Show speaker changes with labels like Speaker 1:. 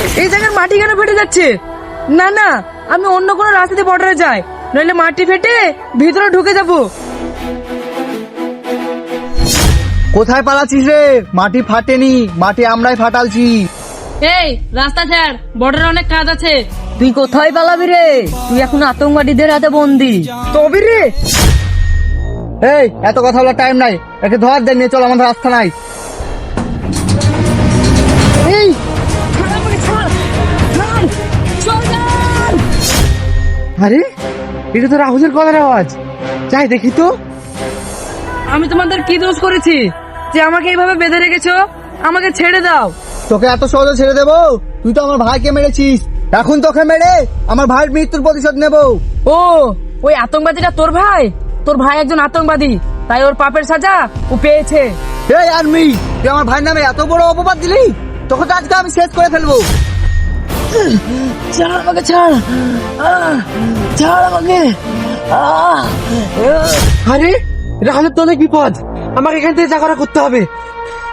Speaker 1: এই জায়গার মাটি কেন ফেটে যাচ্ছে? না না, আমি অন্য কোনো রাস্তা দিয়ে বর্ডারে যাই, নইলে মাটি ফেটে ভিতরে ঢুকে যাব।
Speaker 2: কোথায় পালাচ্ছিস রে? মাটি ফাটেনি, মাটি আমরাই ফাটালছি।
Speaker 1: এই রাস্তা ছাড়, বর্ডারে অনেক কাজ আছে।
Speaker 3: তুই কোথায় পালাবি রে? তুই এখন আতঙ্কবাদীদের হাতে বন্দি।
Speaker 1: তবে রে,
Speaker 2: এই এত কথা বলার টাইম নাই, একে ধর দেন, নিয়ে চল, আমাদের রাস্তা নাই।
Speaker 1: এই ছাড় আমাকে, ছাড় ছাড়, সরকার!
Speaker 2: আরে এটা তো রাহুলের গলার আওয়াজ, যাই দেখি তো।
Speaker 1: আমি তোমাদের কি দোষ করেছি যে আমাকে এইভাবে বেঁধে রেখেছো? আমাকে ছেড়ে দাও।
Speaker 2: তোকে এত সহজে ছেড়ে দেবো? তুই তো আমার ভাইকে মেরেছিস, এখন তোকে মেরে আমার ভাইয়ের মৃত্যুর প্রতিশোধ নেবো।
Speaker 1: ও, ওই আতঙ্কবাদীটা তোর ভাই? তোর ভাই একজন আতঙ্কবাদী, তাই ওর পাপের সাজা ও পেয়েছে।
Speaker 2: এই আর্মি, তুই আমার ভাইয়ের নামে এত বড় অপবাদ দিলি, তোকে তো আজকে আমি শেষ করে ফেলবো।
Speaker 1: ছাড় আমাকে, ছাড়, ছাড় আমাকে।
Speaker 2: আরে রাহুলের তো অনেক বিপদ, আমাকে এখান থেকে যা করা করতে হবে।